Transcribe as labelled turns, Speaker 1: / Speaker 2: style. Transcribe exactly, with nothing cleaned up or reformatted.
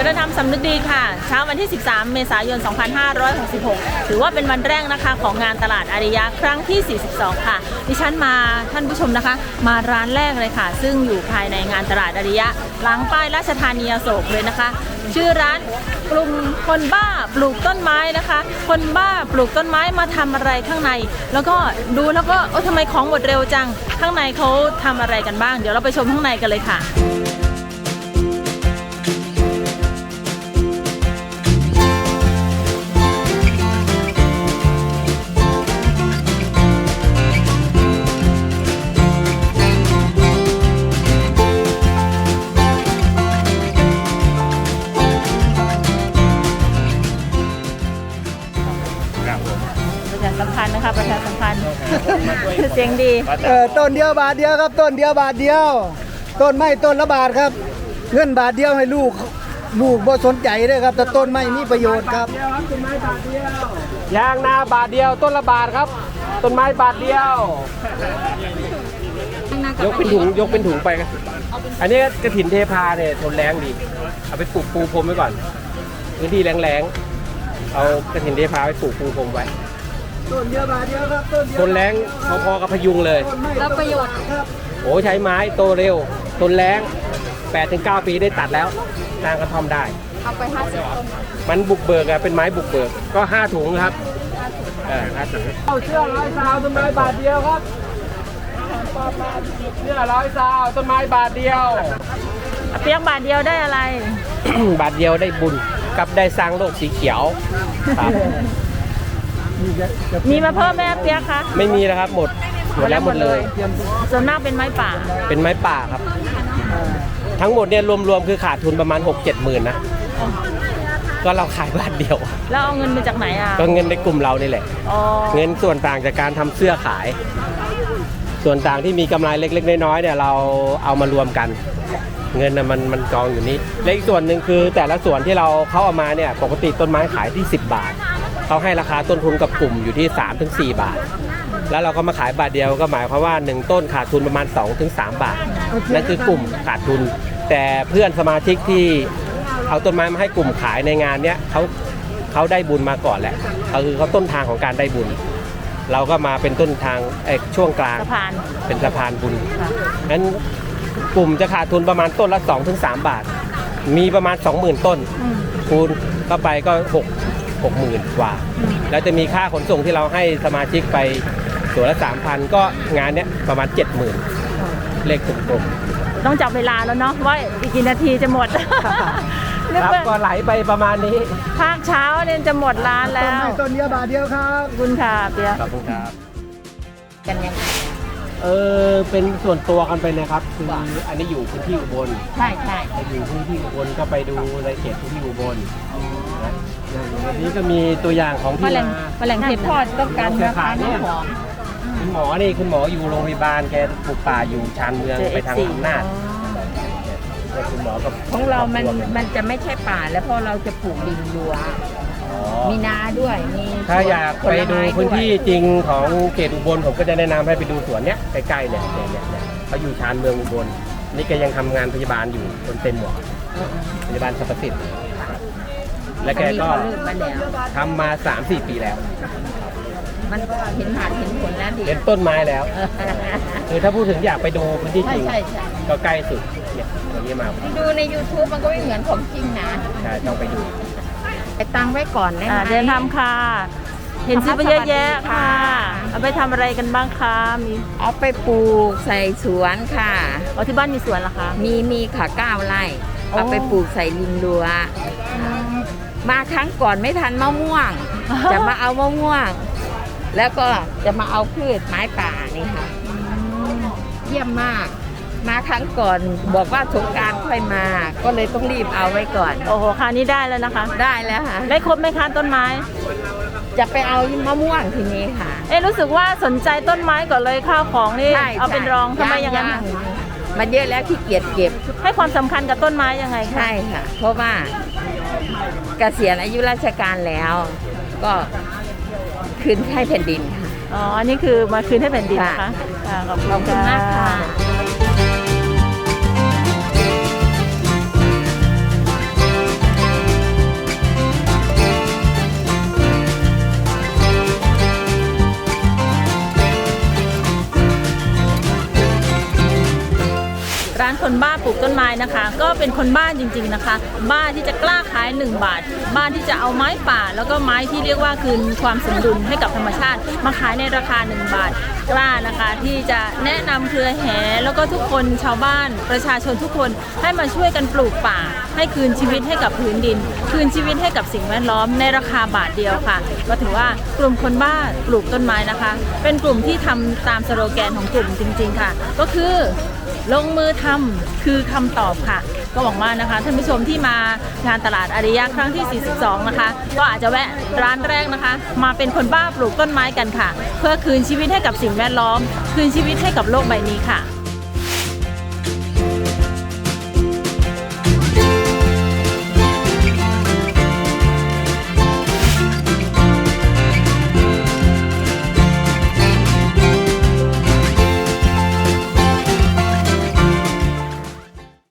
Speaker 1: ริญธรรมสำนึกดีค่ะเช้าวันที่สิบสามเมษายนสองพันห้าร้อยหกสิบหกถือว่าเป็นวันแรกนะคะของงานตลาดอาริยะครั้งที่สี่สิบสองค่ะดิฉันมาท่านผู้ชมนะคะมาร้านแรกเลยค่ะซึ่งอยู่ภายในงานตลาดอาริยะหลังป้ายราชธานีอโศกเลยนะคะชื่อร้านกลุ่มคนบ้าปลูกต้นไม้นะคะคนบ้าปลูกต้นไม้มาทำอะไรข้างในแล้วก็ดูแล้วก็โอ้ทำไมของหมดเร็วจังข้างในเขาทำอะไรกันบ้างเดี๋ยวเราไปชมข้างในกันเลยค่ะประชาสัมพันธ์นะคะประชาสัมพันธ์เสียงดี
Speaker 2: เออต้นเดียวบาทเดียวครับต้นเดียวบาทเดียวต้นไม้ต้นละบาทครับเงินบาทเดียวให้ลูกลูกบ่สนใจเลยครับแต่ต้นไม้มีประโยชน์ครับต้นไม้บาทเดียวยางนาบาทเดียวต้นละบาทครับต้นไม้บาทเดียวยกเป็นถุงยกเป็นถุงไปครับอันนี้กระถินเทพาเนี่ยทนแรงดีเอาไปปลูกปูพรมไว้ก่อนพื้นที่แรงๆเอากระถินเทพาไปปลูกปูพรมไว้ต้นเดียวบาทเดียวครับต้นเดียวต้นแรงพอๆกับพยุงเลย
Speaker 1: แล้วประโยชน์
Speaker 2: โอ้ใช้ไม้โตเร็วต้นแรง แปดถึงเก้า ปีได้ตัดแล้วสร้างกระท่อมได้
Speaker 1: เอาไปห้าสิบต้น
Speaker 2: มันบุกเบิกอะเป็นไม้บุกเบิกก็ห้าถุงครับเออห้าถุงเอาเชือกร้อยซาวต้นไม้บาทเดียวครับเชือกร้อยซาวต้นไม้บาทเดียว
Speaker 1: เปียกบาทเดียวได้อะไร
Speaker 2: บาทเดียวได้บุญกับได้สร้างโลกสีเขียวครับ
Speaker 1: มีมาเพิ่มไหมเปียกคะ
Speaker 2: ไม่มีแล้วครับหมดหมดแล้วหมดเลย
Speaker 1: ส่วนมากเป็นไม้ป่า
Speaker 2: เป็นไม้ป่าครับทั้งหมดเนี่ยรวมๆคือขาดทุนประมาณ หกเจ็ด หมื่นนะก็เราขายบาทเดียว
Speaker 1: แล้วเอาเงินมาจากไหนอ่ะ
Speaker 2: ก็เงินในกลุ่มเรานี่แหละเงินส่วนต่างจากการทำเสื้อขายส่วนต่างที่มีกำไรเล็กๆน้อยๆเนี่ยเราเอามารวมกันเงินนะมันมันกองอยู่นี้และอีกส่วนหนึ่งคือแต่ละส่วนที่เราเขาเอามาเนี่ยปกติต้นไม้ขายที่สิบบาทเขาให้ราคาต้นทุนกับกลุ่มอยู่ที่ สามถึงสี่ บาทแล้วเราก็มาขายบาทเดียวก็หมายความว่าหนึ่งต้นขาดทุนประมาณ สองถึงสาม บาทนั่นคือกลุ่มขาดทุนแต่เพื่อนสมาชิกที่เอาต้นไม้มาให้กลุ่มขายในงานเนี้ยเขาเขาได้บุญมาก่อนแหละเขาคือเขาต้นทางของการได้บุญเราก็มาเป็นต้นทางไอ้ช่วงกลางเป็นสะพานบุญนั้นกลุ่มจะขาดทุนประมาณต้นละ สองถึงสาม บาทมีประมาณ สองหมื่น ต้นคูณเข้าไปก็หก หกหมื่นกว่าแล้วจะมีค่าขนส่งที่เราให้สมาชิกไปส่วนละ สามพัน ก็งานเนี้ยประมาณ เจ็ดหมื่น เลขกลม
Speaker 1: ๆต้องจับเวลาแล้วเนาะว่าอีกกี่นาทีจะหมด
Speaker 2: ครับก็ไหลไปประมาณนี้
Speaker 1: ภาคเช้าเนี่ยจะหมดร้านแล้ว
Speaker 2: ต้นเดียวบาทเดียวครับ
Speaker 1: คุณค่ะเปีย
Speaker 2: ขอบคุณครับ
Speaker 1: กันยัง
Speaker 2: เออเป็นส่วนตัวกันไปนะครับคืออันนี้อยู่พื้นที่อุบล
Speaker 1: ใช่ใช่
Speaker 2: อยู่พื้นที่อุบลก็ไปดูในเขตพื้นที่อุบลวันนี้ก็มีตัวอย่างของที่
Speaker 1: มาแมลงเทพอดต้องการนะคะนี่หอม
Speaker 2: คุณหมอนี่คุณหมออยู่โรงพยาบาลแกปลูกป่าอยู่ชานเมืองไปทางอำนาจคุณหมอกับ
Speaker 3: ของเรามันมันจะไม่ใช่ป่าแล้วเพราะเราจะปลูกดินรั้วมีนาด้วยมี
Speaker 2: ถ้าอยากไปดูพื้นที่จริงของเขตอุบลผมก็จะแนะนำให้ไปดูสวนเนี้ยใกล้ๆเนี่ยเนี่ยเนี่ยเขาอยู่ชานเมืองอุบลนี่แกยังทำงานพยาบาลอยู่คนเต็มหมดพยาบาลสรรพสิทธิ์และแกก็ทำมา สามสี่ ปีแล้ว
Speaker 3: มันเห็นหาดเห็นผลแล้วดิ
Speaker 2: เห็นต้นไม้แล้วคือถ้าพูดถึงอยากไปดูพื้นที่จริงก็ใกล้สุดเนี่ยตรงนี้มา
Speaker 3: ดูใน ยูทูบ มันก็ไม่เหมือนของจริงนะ
Speaker 2: ใช่ต้องไปดู
Speaker 3: ไปตั้งไว้ก่อนได้ไหม
Speaker 1: เดินทำค่ะเห็นซื้อไปเยอะแยะค่ะเอาไปทำอะไรกันบ้างคะมี
Speaker 3: เอาไปปลูกใส่สวนค่ะ
Speaker 1: อ๋อที่บ้านมีสวนเหรอคะ
Speaker 3: มีมีค่ะเก้าไร่เอาไปปลูกใส่ริมรั้วมาครั้งก่อนไม่ทันมะม่วงจะมาเอามะม่วงแล้วก็จะมาเอาพืชไม้ป่านี่ค่ะเยี่ยมมากมาครั้งก่อนบอกว่าสงกรานต์ค่อยมาก็เลยต้องรีบเอาไว้ก่อน
Speaker 1: โอ้โหคราวนี้ได้แล้วนะคะ
Speaker 3: ได้แล้วค่ะ
Speaker 1: ได้ครบไหมคะต้นไม้
Speaker 3: จะไปเอามะม่วงทีนี้ค่ะ
Speaker 1: เอ๊ะรู้สึกว่าสนใจต้นไม้ก่อนเลยข้าวของนี่เอาเป็นรองทำไมอย่างนั้น
Speaker 3: มันเยอะแล้วขี้เกียจเก็บ
Speaker 1: ให้ความสำคัญกับต้นไม้ยังไง
Speaker 3: ใช่ค่ะเพราะว่าเกษียณอายุราชการแล้วก็คืนให้แผ่นดินค่ะ
Speaker 1: อ๋ออันนี้คือมาคืนให้แผ่นดินนะคะขอบคุณ
Speaker 3: มากค่ะ
Speaker 1: ร้านคนบ้าปลูกต้นไม้นะคะ ก็เป็นคนบ้าจริงๆนะคะ บ้าที่จะกล้าขายหนึ่งบาท บ้าที่จะเอาไม้ป่า แล้วก็ไม้ที่เรียกว่าคืนความสมดุลให้กับธรรมชาติมาขายในราคาหนึ่งบาท กล้านะคะที่จะแนะนำเครือแห่แล้วก็ทุกคนชาวบ้านประชาชนทุกคนให้มาช่วยกันปลูกป่า ให้คืนชีวิตให้กับพื้นดิน คืนชีวิตให้กับสิ่งแวดล้อมในราคาบาทเดียวค่ะก็ถือว่ากลุ่มคนบ้าปลูกต้นไม้นะคะ เป็นกลุ่มที่ทำตามสโลแกนของกลุ่มจริงๆค่ะ ก็คือลงมือทำคือคำตอบค่ะ ก็หวังว่านะคะท่านผู้ชมที่มางานตลาดอาริยะครั้งที่ สี่สิบสอง นะคะ ก็อาจจะแวะร้านแรกนะคะ มาเป็นคนบ้าปลูกต้นไม้กันค่ะ เพื่อคืนชีวิตให้กับสิ่งแวดล้อม คืนชีวิตให้กับโลกใบนี้ค่ะ